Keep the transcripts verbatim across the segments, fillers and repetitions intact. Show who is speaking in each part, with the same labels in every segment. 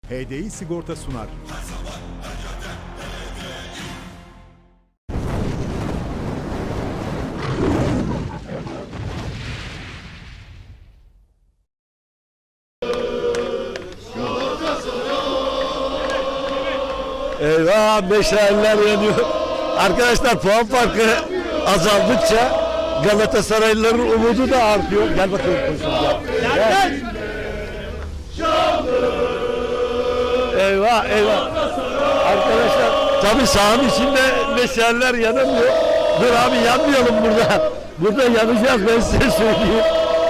Speaker 1: H D I Sigorta sunar.
Speaker 2: Eyvah, meşaleler yanıyor. Arkadaşlar puan farkı azaldıkça Galatasaraylıların umudu da artıyor. Gel bakalım koşun gel. Gel. Eyvah eyvah. Arkadaşlar tabii sahanın içinde meşaleler yanamıyor. Dur abi yanmayalım burada. Burada yanacağız ben size söyleyeyim.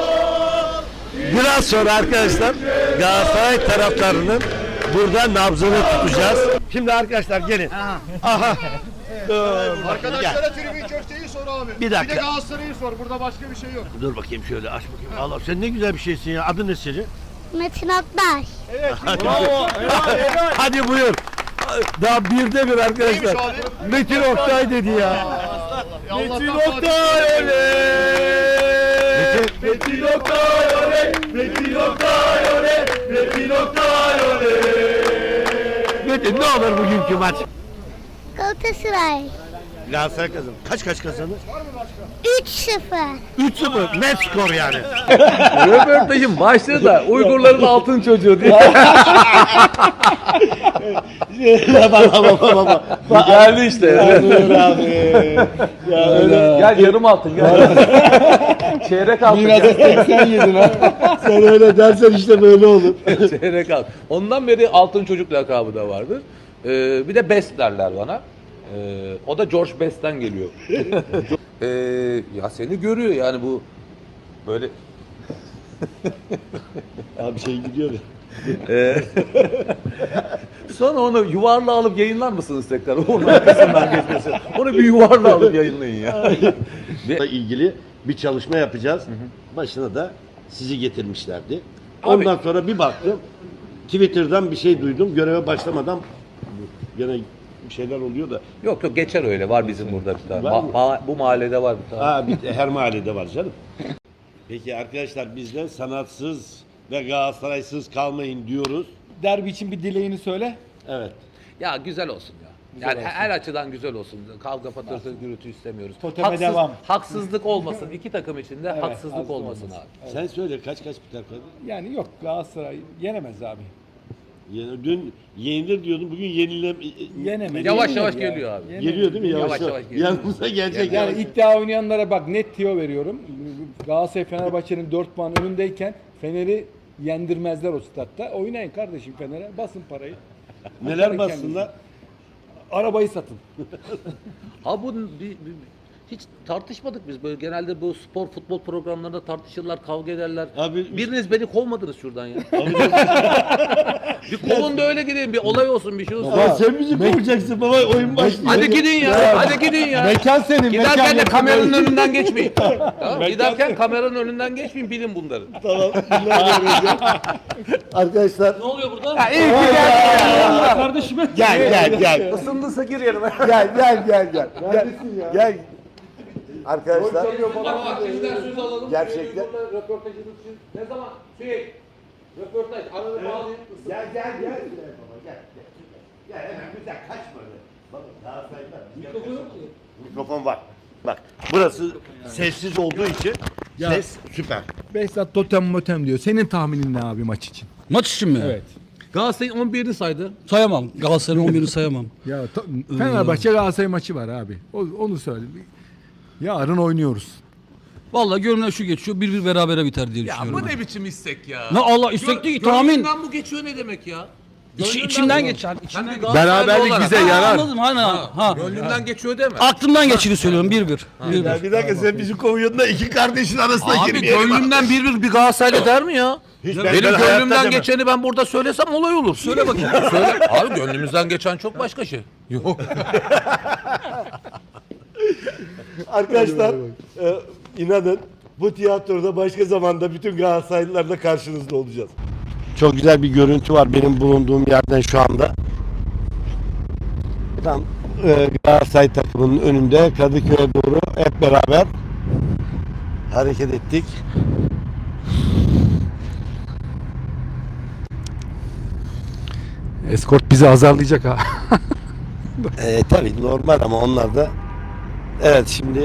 Speaker 2: Biraz sonra arkadaşlar Galatasaray taraftarının burada nabzını tutacağız. Şimdi arkadaşlar gelin. Aha. Aha. Dur,
Speaker 3: Arkadaşlara tribün köfteyi sor abi.
Speaker 2: Bir dakika.
Speaker 3: Bir de Galatasaray'ı sor. Burada başka bir şey yok.
Speaker 2: Dur bakayım şöyle aç bakayım. Allah sen ne güzel bir şeysin ya. Adın ne senin?
Speaker 4: Metin Aktaş.
Speaker 3: Evet. Bravo. Evet.
Speaker 2: Hadi buyur. Daha birde bir arkadaşlar. Metin Oktay dedi ya.
Speaker 3: Metin Oktay
Speaker 2: Metin, Metin Oktay oley. Metin Oktay oley. Metin Oktay oley. Metin ne olur bugünkü maç?
Speaker 4: Galatasaray.
Speaker 2: Galatasaray kazanır. Kaç kaç kazanır?
Speaker 4: üç sıfır.
Speaker 2: üç sıfır. Net skor yani.
Speaker 5: Röportajın başlığı da Uygurların altın çocuğu diye.
Speaker 2: baba baba baba.
Speaker 5: Geldi işte.
Speaker 2: abi. Ya öyle.
Speaker 5: Gel yarım altın gel. Çeyrek altın gel.
Speaker 2: seksen yedin ha. Sen öyle dersen işte böyle olur.
Speaker 5: Çeyrek altın. Ondan beri altın çocuk lakabı da vardır. Ee, bir de Best derler bana. Ee, o da George Best'ten geliyor. ee, ya seni görüyor yani bu böyle.
Speaker 2: Abi şey gidiyor ya.
Speaker 5: Ee, Sonra onu yuvarla alıp yayınlar mısınız tekrar? Onun arkasından geçmesi. Onu bir yuvarla alıp yayınlayın ya.
Speaker 2: Ve ilgili bir çalışma yapacağız. Hı hı. Başına da sizi getirmişlerdi.
Speaker 5: Abi,
Speaker 2: ondan sonra bir baktım. Twitter'dan bir şey duydum. Göreve başlamadan gene bir şeyler oluyor da.
Speaker 5: Yok yok geçer öyle. Var bizim burada bir tane.
Speaker 2: Var mı?
Speaker 5: Ma- ma- bu mahallede var bir tane.
Speaker 2: Ha, bir, her mahallede var canım. Peki arkadaşlar bizden sanatsız ve Galatasaraysız kalmayın diyoruz.
Speaker 6: Derbi için bir dileğini söyle.
Speaker 2: Evet.
Speaker 5: Ya güzel olsun ya. Yani her açıdan güzel olsun. Kavga patırtı gürültü istemiyoruz.
Speaker 6: Toteme devam.
Speaker 5: Haksızlık olmasın. İki takım içinde
Speaker 6: Evet,
Speaker 5: haksızlık
Speaker 6: haksız
Speaker 5: olmasın
Speaker 6: olmasın.
Speaker 5: abi.
Speaker 2: Sen söyle kaç kaç biter Kadir?
Speaker 6: Yani yok Galatasaray yenemez abi.
Speaker 2: Yani dün yenilir diyordum. Bugün yenile
Speaker 6: Yenemez.
Speaker 5: Yavaş
Speaker 6: Yenilir
Speaker 5: yavaş
Speaker 6: ya.
Speaker 5: geliyor abi.
Speaker 6: Yenilir.
Speaker 2: geliyor değil mi? Yavaş
Speaker 5: Yavaş
Speaker 2: yavaş.
Speaker 5: yavaş geliyor.
Speaker 2: Yanımıza gelecek.
Speaker 6: Yani
Speaker 2: yavaş.
Speaker 6: iddia oynayanlara bak net tiyo veriyorum. Galatasaray Fenerbahçe'nin dört puan önündeyken Fener'i yendirmezler o statta. Oynayın kardeşim Fener'e. Basın parayı.
Speaker 2: Neler
Speaker 6: Atarın
Speaker 2: bassınlar?
Speaker 6: kendinizi. Arabayı satın.
Speaker 5: Ha bu bir, bir- hiç tartışmadık biz böyle genelde bu spor futbol programlarında tartışırlar, kavga ederler.
Speaker 2: Abi-
Speaker 5: Biriniz beni kovmadınız şuradan ya. bir kovun da öyle gideyim, bir olay olsun, bir şey olsun.
Speaker 2: Aa, sen bizi kovacaksın baba, oyun başlıyor.
Speaker 5: Hadi gidin ya, hadi gidin ya.
Speaker 6: Mekan senin.
Speaker 5: Giderken de kameranın önünden geçmeyin. Tamam, giderken kameranın önünden geçmeyin, bilin bunları.
Speaker 2: Tamam. Arkadaşlar
Speaker 5: Ne oluyor burada?
Speaker 6: Kardeşime.
Speaker 2: gel gel gel.
Speaker 5: Isındıysa gir yerime.
Speaker 2: Gel gel gel gel. Gel. Gel. Arkadaşlar
Speaker 5: Bak sizden söz alalım.
Speaker 2: gerçekten.
Speaker 5: Röportajınız için ne zaman? Sürekli. Röportaj. Arada bağlayın.
Speaker 2: Gel gel gel. Baba gel. Gel hemen güzel kaçma öyle. Bak Galatasaray'da mikrofon yok ki. Mikrofon var. Bak burası sessiz olduğu için ses süper.
Speaker 6: Behzat totem motem diyor. Senin tahminin ne abi maç için?
Speaker 7: Maç için mi?
Speaker 6: Evet.
Speaker 5: Galatasaray'ın on birini saydı.
Speaker 7: Sayamam. Galatasaray'ın on birini sayamam.
Speaker 6: Ya ta- Fenerbahçe Galatasaray maçı var abi. O, onu söyle. Yarın oynuyoruz.
Speaker 7: Vallahi gönlümden şu geçiyor. Bir bir berabere biter diye
Speaker 5: Ya
Speaker 7: düşünüyorum.
Speaker 5: bu
Speaker 7: ben.
Speaker 5: ne biçim istek ya?
Speaker 7: Ne Allah istek değil ki tahmin.
Speaker 5: Gönlünden bu geçiyor ne demek ya?
Speaker 7: İç,
Speaker 5: Gönlünden
Speaker 7: içimden
Speaker 5: bu-
Speaker 7: geçer.
Speaker 5: Sen
Speaker 7: İçimden
Speaker 5: bir Galatasaraylı
Speaker 2: Beraberlik
Speaker 5: olarak-
Speaker 2: bize
Speaker 5: Ha,
Speaker 2: yarar.
Speaker 7: Anladım hani ha. ha.
Speaker 5: Gönlünden geçiyor deme.
Speaker 7: Aklımdan geçini söylüyorum bir bir. Bir bir.
Speaker 2: Ya bir dakika sen bizi kovuyorsun da iki kardeşin arasına
Speaker 5: Abi
Speaker 2: girmeyelim.
Speaker 5: gönlümden bir bir bir Galatasaraylı der mi ya?
Speaker 2: Hiç ben-
Speaker 5: Benim
Speaker 2: ben hayatta
Speaker 5: gönlümden
Speaker 2: demem.
Speaker 5: geçeni ben burada söylesem olay olur. Söyle bakayım. Söyle. Abi gönlümüzden geçen çok başka şey. Yok.
Speaker 2: Arkadaşlar e, inanın bu tiyatroda başka zamanda bütün Galatasaraylılarla karşınızda olacağız. Çok güzel bir görüntü var benim bulunduğum yerden şu anda. Tam e, Galatasaray takımının önünde Kadıköy'e doğru hep beraber hareket ettik.
Speaker 6: Eskort bizi azarlayacak ha.
Speaker 2: E, tabii normal ama onlar da evet şimdi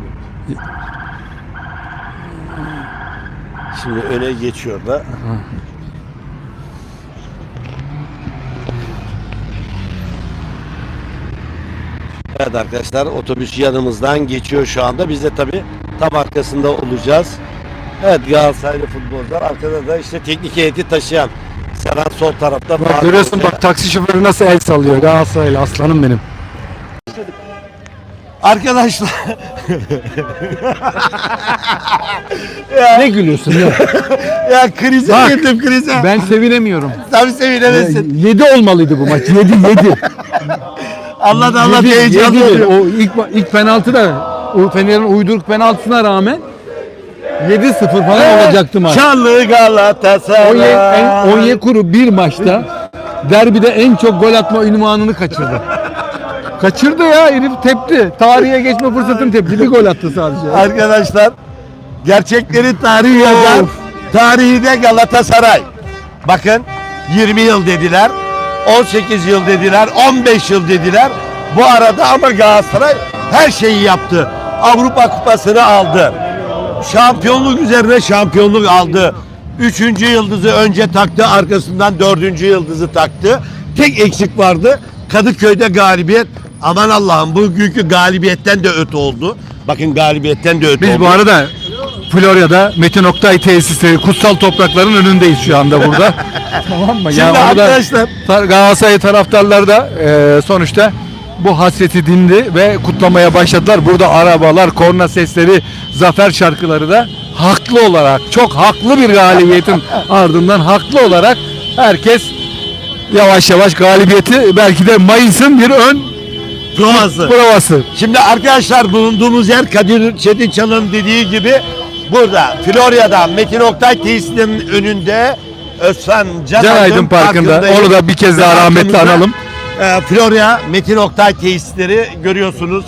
Speaker 2: şimdi öne geçiyor da. Evet arkadaşlar otobüs yanımızdan geçiyor şu anda. Biz de tabii tam arkasında olacağız. Evet Galatasaraylı futbolcular arkada da işte teknik heyeti taşıyan Serhan sol tarafta.
Speaker 6: Bak
Speaker 2: Faruk
Speaker 6: görüyorsun
Speaker 2: Hoca.
Speaker 6: bak taksi şoförü nasıl el sallıyor. Galatasaraylı aslanım benim.
Speaker 2: Arkadaşlar
Speaker 6: Ne gülüyorsun ya?
Speaker 2: ya krize
Speaker 6: Bak,
Speaker 2: girdim krize.
Speaker 6: Ben sevinemiyorum.
Speaker 2: Tabii sevinemezsin.
Speaker 6: yedi olmalıydı bu maç. yedi yedi.
Speaker 2: Allah da Allah
Speaker 6: Yedi,
Speaker 2: heyecanlı
Speaker 6: yedi.
Speaker 2: oluyor.
Speaker 6: O ilk ilk penaltı da o Fener'in uyduruk penaltısına rağmen yedi sıfır falan olacaktı maç.
Speaker 2: Şanlı Galatasaray.
Speaker 6: Onyekuru bir maçta derbide en çok gol atma ünvanını kaçırdı. Kaçırdı ya herif tepti. Tarihe geçme fırsatını tepti. Bir gol attı sadece.
Speaker 2: Arkadaşlar gerçekleri tarihi yazar.
Speaker 6: Of.
Speaker 2: Tarihi de Galatasaray. Bakın yirmi yıl dediler. on sekiz yıl dediler. on beş yıl dediler. Bu arada ama Galatasaray her şeyi yaptı. Avrupa Kupası'nı aldı. Şampiyonluk üzerine şampiyonluk aldı. Üçüncü yıldızı önce taktı, arkasından dördüncü yıldızı taktı. Tek eksik vardı. Kadıköy'de galibiyet. Aman Allah'ım bugünkü galibiyetten de öte oldu. Bakın galibiyetten de öte
Speaker 6: Biz
Speaker 2: oldu.
Speaker 6: bu arada Florya'da Metin Oktay tesisleri kutsal toprakların önündeyiz şu anda burada. Tamam mı?
Speaker 2: Şimdi
Speaker 6: orada
Speaker 2: arkadaşlar
Speaker 6: tar- Galatasaray taraftarları da e, sonuçta bu hasreti dindi ve kutlamaya başladılar. Burada arabalar, korna sesleri, zafer şarkıları da haklı olarak, çok haklı bir galibiyetin ardından haklı olarak herkes yavaş yavaş galibiyeti belki de Mayıs'ın bir ön
Speaker 2: provası.
Speaker 6: provası.
Speaker 2: Şimdi arkadaşlar bulunduğumuz yer Kadir Çetinçal'ın dediği gibi burada Florya'da Metin Oktay tesisinin önünde Özcan Can,
Speaker 6: Can Aydın Parkı'nda.
Speaker 2: Parkı'ndayız.
Speaker 6: Onu da bir kez daha
Speaker 2: Ve
Speaker 6: rahmetli
Speaker 2: arkamızda,
Speaker 6: analım.
Speaker 2: e, Florya Metin Oktay tesisleri görüyorsunuz.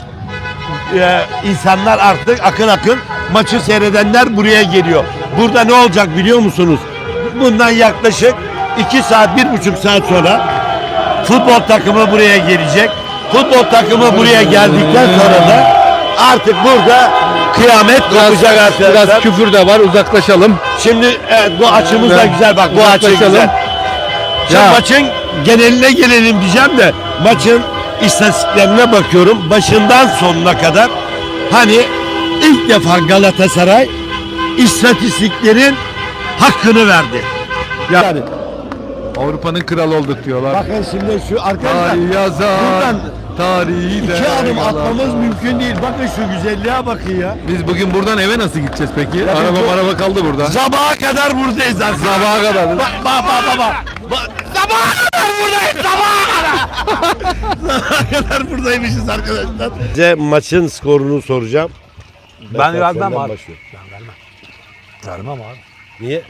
Speaker 2: E, insanlar artık akın akın maçı seyredenler buraya geliyor. Burada ne olacak biliyor musunuz? Bundan yaklaşık iki saat, bir buçuk saat sonra futbol takımı buraya gelecek. Futbol takımı buraya geldikten sonra da artık burada kıyamet kopacak arkadaşlar.
Speaker 6: Biraz küfür de var, uzaklaşalım.
Speaker 2: Şimdi evet, bu açımız da
Speaker 6: Ben-
Speaker 2: güzel bak bu açı
Speaker 6: uzaklaşalım.
Speaker 2: güzel. Şimdi
Speaker 6: Ya.
Speaker 2: maçın geneline gelelim diyeceğim de maçın istatistiklerine bakıyorum başından sonuna kadar hani ilk defa Galatasaray istatistiklerin hakkını verdi.
Speaker 6: Yani Avrupa'nın kralı olduk diyorlar.
Speaker 2: Bakın şimdi şu arkadaşlar
Speaker 6: Tarih yazar,
Speaker 2: buradan
Speaker 6: tarihi de
Speaker 2: iki adım
Speaker 6: yalan.
Speaker 2: atmamız mümkün değil. Bakın şu güzelliğe bakın ya.
Speaker 6: Biz bugün buradan eve nasıl gideceğiz peki?
Speaker 2: Ya
Speaker 6: araba
Speaker 2: biz-
Speaker 6: araba kaldı burada.
Speaker 2: Sabaha kadar buradayız artık.
Speaker 6: Sabaha kadar.
Speaker 2: Bak bak bak bak. Bak, sabaha kadar buradayız sabaha kadar. Sabaha kadar buradaymışız arkadaşlar. Size maçın skorunu soracağım.
Speaker 5: Ben vermem
Speaker 2: senden
Speaker 5: abi.
Speaker 2: başlıyorum.
Speaker 5: Ben vermem. Vermem abi.
Speaker 2: Niye?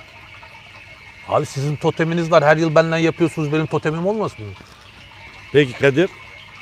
Speaker 5: Abi sizin toteminiz var. Her yıl benden yapıyorsunuz. Benim totemim olmasın mı?
Speaker 2: Peki Kadir?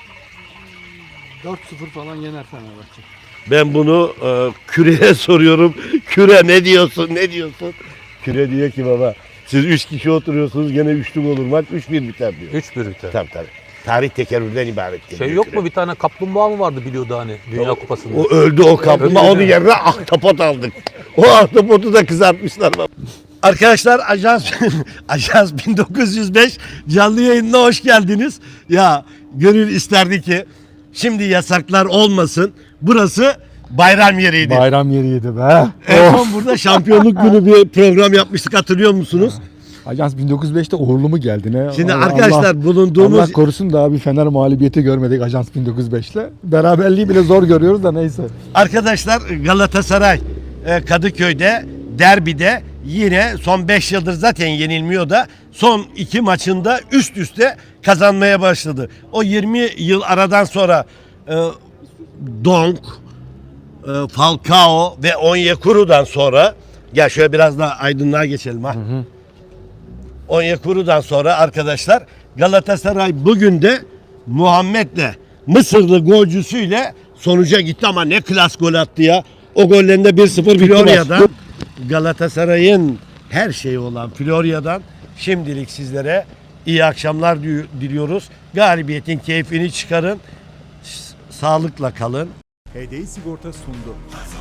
Speaker 6: dört sıfır falan yener Fenerbahçe.
Speaker 2: Ben bunu e, Küre'ye soruyorum. Küre ne diyorsun ne diyorsun? Küre diyor ki baba siz üç kişi oturuyorsunuz gene üçlük olur maç üç bir biter diyor.
Speaker 5: üç bir biter.
Speaker 2: Tabii tabii. Tarih tekerrürden ibaret.
Speaker 5: Şey
Speaker 2: diyor
Speaker 5: yok
Speaker 2: Küre.
Speaker 5: mu bir tane kaplumbağa mı vardı biliyordu hani Dünya Kupası'nda?
Speaker 2: O öldü o kaplumbağa.
Speaker 5: Öldü
Speaker 2: Onun
Speaker 5: mü?
Speaker 2: yerine ahtapot aldık. O ahtapotu da kızartmışlar. Arkadaşlar Ajans Ajans bin dokuz yüz beş canlı yayınına hoş geldiniz. Ya gönül isterdi ki şimdi yasaklar olmasın. Burası bayram yeriydi.
Speaker 6: Bayram yeriydi be.
Speaker 2: En son burada şampiyonluk günü bir program yapmıştık hatırlıyor musunuz?
Speaker 6: Ajans bin dokuz yüz beşte uğurlu mu geldi ne?
Speaker 2: Şimdi
Speaker 6: Allah-
Speaker 2: arkadaşlar
Speaker 6: Allah-
Speaker 2: bulunduğumuz
Speaker 6: Allah korusun daha bir Fener mağlubiyeti görmedik Ajans bin dokuz yüz beşle. Beraberliği bile zor görüyoruz da neyse.
Speaker 2: arkadaşlar Galatasaray e, Kadıköy'de derbide yine son beş yıldır zaten yenilmiyor da son iki maçında üst üste kazanmaya başladı. O yirmi yıl aradan sonra e, Donk, e, Falcao ve Onyekuru'dan sonra gel şöyle biraz daha aydınlığa geçelim ha. Onyekuru'dan sonra arkadaşlar Galatasaray bugün de Muhammed'le Mısırlı golcüsüyle sonuca gitti ama ne klas gol attı ya. O gollerinde bir sıfır Florya'dan Galatasaray'ın her şeyi olan Florya'dan şimdilik sizlere
Speaker 1: iyi akşamlar diliyoruz. Galibiyetin keyfini çıkarın. Sağlıkla kalın.
Speaker 8: H D I Sigorta sundu.